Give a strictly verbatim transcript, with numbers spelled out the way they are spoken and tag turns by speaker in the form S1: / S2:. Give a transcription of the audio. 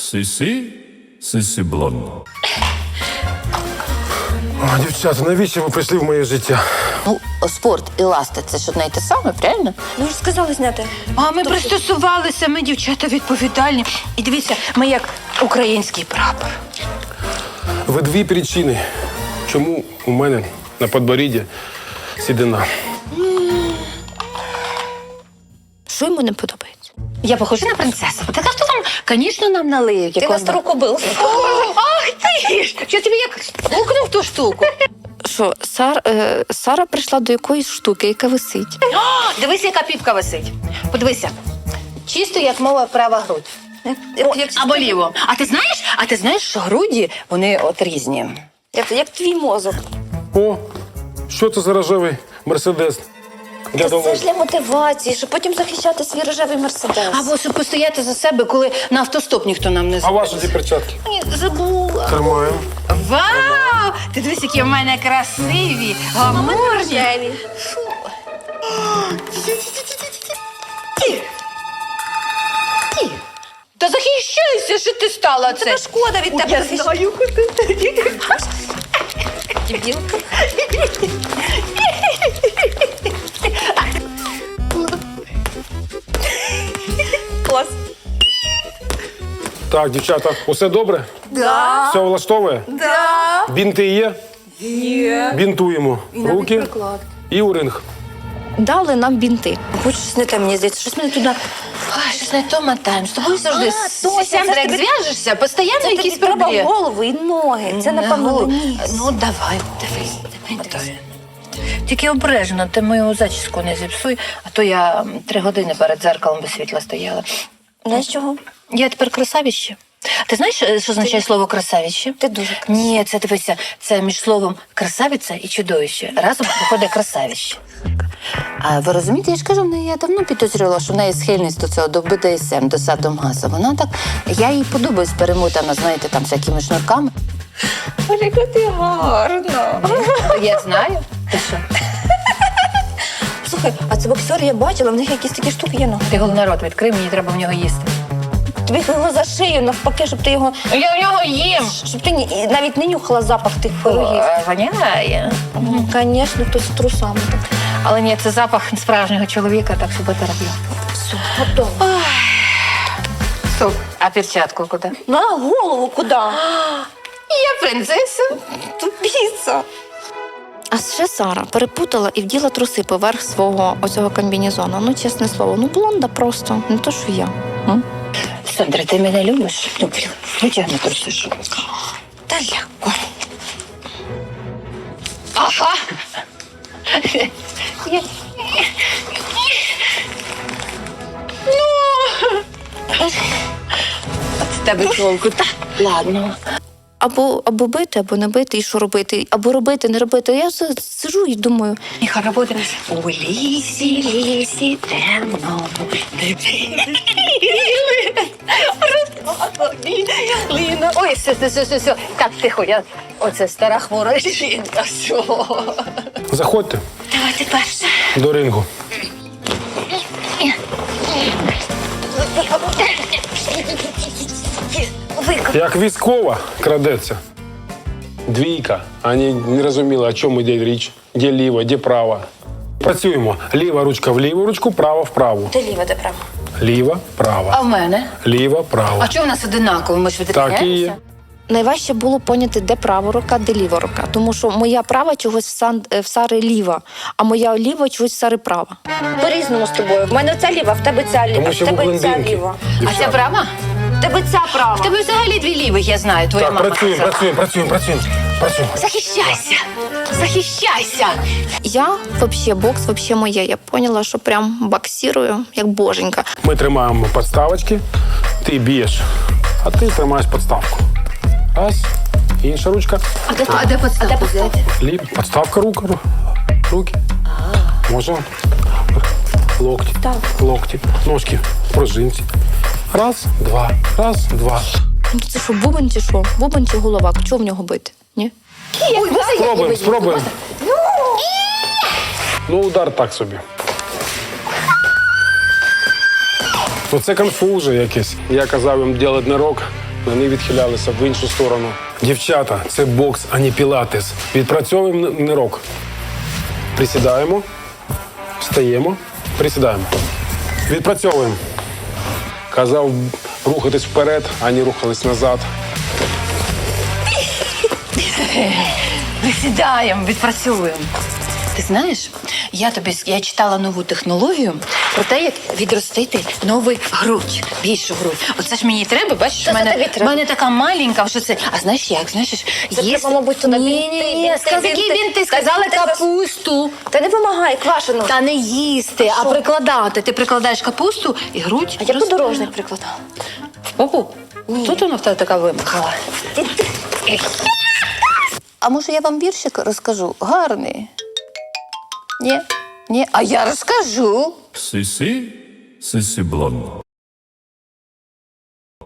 S1: Сисі, сисі блонд.
S2: О, дівчата, навіщо ви прийшли в моє життя?
S3: Ну, спорт і ласти – це ж одне й те саме, правильно?
S4: Ну ж сказали зняти.
S5: А ми пристосувалися, ми дівчата відповідальні. І дивіться, ми як український прапор.
S2: Ви дві причини, чому у мене на подборідді сідина.
S3: Що йому не подобається?
S5: Я похожа на принцесу. Так а хто там, звісно, нам налиють.
S4: Ти на стару кобилу.
S5: Ах ти ж! Що тобі як стукнув ту штуку?
S3: Що, Сар, е, Сара прийшла до якоїсь штуки, яка висить.
S5: О, дивись, яка піпка висить. Подивися. Чисто, як мова, права грудь.
S4: Як, як,
S5: Або ліво. А ти знаєш, а ти знаєш, що груді, вони от різні.
S4: як, як твій мозок.
S2: О, що це за рожевий мерседес? Для
S4: Та
S2: дому.
S4: це ж для мотивації, щоб потім захищати свій рожевий мерседес.
S5: Або щоб постояти за себе, коли на автостоп ніхто нам не
S2: А
S5: зробить.
S2: ваші ці перчатки?
S5: Ні, забула.
S2: Тримаємо.
S5: Вау! Ти дивись, які в мене красиві, гламурні. Та захищайся, що ти стала це.
S4: Тебе шкода від тебе захищати. Дебілка. Клас.
S2: Так, дівчата, усе добре?
S4: Да.
S2: Все влаштовує?
S4: Да.
S2: Бінти є?
S4: Є.
S2: Бінтуємо. Руки
S4: приклад.
S2: і у ринг.
S3: Дали нам бінти.
S4: Хоч щось не те, мені здається, щось мене туди.
S5: Ай, щось не то мотаємо. З тобою завжди
S4: А, точно,
S5: сісяндра,
S4: це
S5: як
S4: тобі-
S5: зв'яжешся, постійно
S4: Це
S5: якісь
S4: тобі треба
S5: проблеми.
S4: голову і ноги. Це, напевно,
S5: Ну,
S4: ніс.
S5: Ну, давай, дивись, давай, давай. Тільки обережно, ти мою зачіску не зіпсуй, а то я м, три години перед дзеркалом без світла стояла.
S4: Знаєш чого?
S5: Я тепер красавіще. Ти знаєш, що означає слово красавіще?
S4: Ти дуже красива.
S5: Ні, це дивися, це між словом красавиця і чудовище. Разом виходить красавище.
S3: А ви розумієте, я ж кажу, в неї я давно підозрювала, що в неї схильність до цього, до б д с ем, до садомаза. Вона так, я їй подобаюсь перемотана, знаєте, там всякими шнурками.
S4: Оліка, ти гарна.
S5: Я знаю. Ти що?
S4: Слухай, а це боксер я бачила, в них якісь такі штуки є. Ну.
S5: Ти головний рот відкрив, мені треба в нього їсти.
S4: Тобі його за шию навпаки, щоб ти його.
S5: Я в нього їм.
S4: Щоб ти ні- навіть не нюхала запах тих пирогів.
S5: Е, Воняє.
S4: Звісно, хтось з трусами. Так.
S5: Але ні, це запах справжнього чоловіка, так що бути роблю.
S4: Все, готово.
S5: Стоп. А перчатку куди?
S4: На голову куди?
S5: Я принцеса.
S4: Тупіця.
S3: А ще Сара перепутала і вділа труси поверх свого оцього комбінезону. Ну, чесне слово, ну блонда просто, не то, що я. М?
S5: Сандра, ти мене любиш? Люблю. Витягни труси. що.
S4: Та легко.
S5: Ага. Я- Ну. З тебе толку. Так, ладно.
S3: Або, або бити, або не бити, і що робити, або робити, не робити. Я с- сижу і думаю,
S5: Нехай роботи. У лісі, лісі, темно. Ліна. Ой, все, все, все, все, все. Так, тихо, я... Оце стара хвора жінка. Все.
S2: Заходьте
S5: Давайте перше.
S2: до рингу. Як військова крадеться. Двійка. Вони не розуміли, о чому йде річ. Де ліва, де права. Працюємо. Ліва ручка в ліву ручку, права в праву.
S4: Де ліва, де права?
S2: Ліва,
S5: А
S2: права.
S5: в мене?
S2: Ліва,
S5: А
S2: права.
S5: чого в нас одинаково? Ми ж
S2: Так і
S5: відрізняємося?
S2: є.
S3: найважче було поняти, де права рука, де ліва рука. Тому що моя права чогось в, сан, в Сари ліва, а моя ліва чогось в Сари права.
S4: По-різному з тобою. В мене ця ліва, в тебе ця ліва,
S2: Тому
S4: в
S2: що ви
S4: тебе ця
S2: блондинки.
S4: ліва.
S5: А
S2: Дівчата.
S5: ця права?
S4: В тебе ця права.
S5: В тебе взагалі дві лівих, я знаю, твоя
S2: Так,
S5: мама.
S2: працюємо,
S5: казала.
S2: працюємо, працюємо, працюємо. Працюємо.
S5: Захищайся! Захищайся!
S3: Я вообще бокс, вообще моє. Я поняла, що прям боксирую, як боженька.
S2: Ми тримаємо підставочки, ти б'єш, а ти тримаєш підставку. Раз, інша ручка.
S5: А де, а де подставку взяти?
S2: Ліп, підставка рук, ру- руки. Можна. Локті, локті, ножки, пружинці. Раз, два, раз, два.
S3: Ну, це що, бубен чи що? Бубен чи голова? Чого в нього бити? Ні?
S2: Спробуємо, спробуємо. Ну, удар так собі. Ну, це конфуз же якийсь. Я казав їм робити не рок, Вони відхилялися в іншу сторону. Дівчата, це бокс, а не пілатес. Відпрацьовуємо нирок. Присідаємо, встаємо, присідаємо. Відпрацьовуємо. Казав рухатись вперед, а не рухались назад.
S5: Присідаємо, відпрацьовуємо. Ти знаєш, я тобі с- я читала нову технологію про те, як відростити новий грудь, більшу грудь. Оце ж мені треба, бачиш,
S4: Це
S5: в мене,
S4: тобі
S5: в
S4: треба.
S5: мене така маленька, що це. А знаєш як? Знаєш,
S4: Це треба, мабуть, туди
S5: Ні,
S4: бінти,
S5: ні, ні,
S4: бінти,
S5: сказали, які
S4: бінти.
S5: бінти,
S4: Та
S5: сказали
S4: бінти.
S5: капусту.
S4: Та не вимагай, квашену.
S5: Та не їсти, а прикладати. Ти прикладаєш капусту і грудь.
S4: А я
S5: росте.
S4: подорожник прикладала.
S5: В попу? Тут вона в тебе така вимахала.
S3: А може я вам віршик розкажу? Гарний. Ні? Ні? А я розкажу.
S1: Сисі, сисі блонд.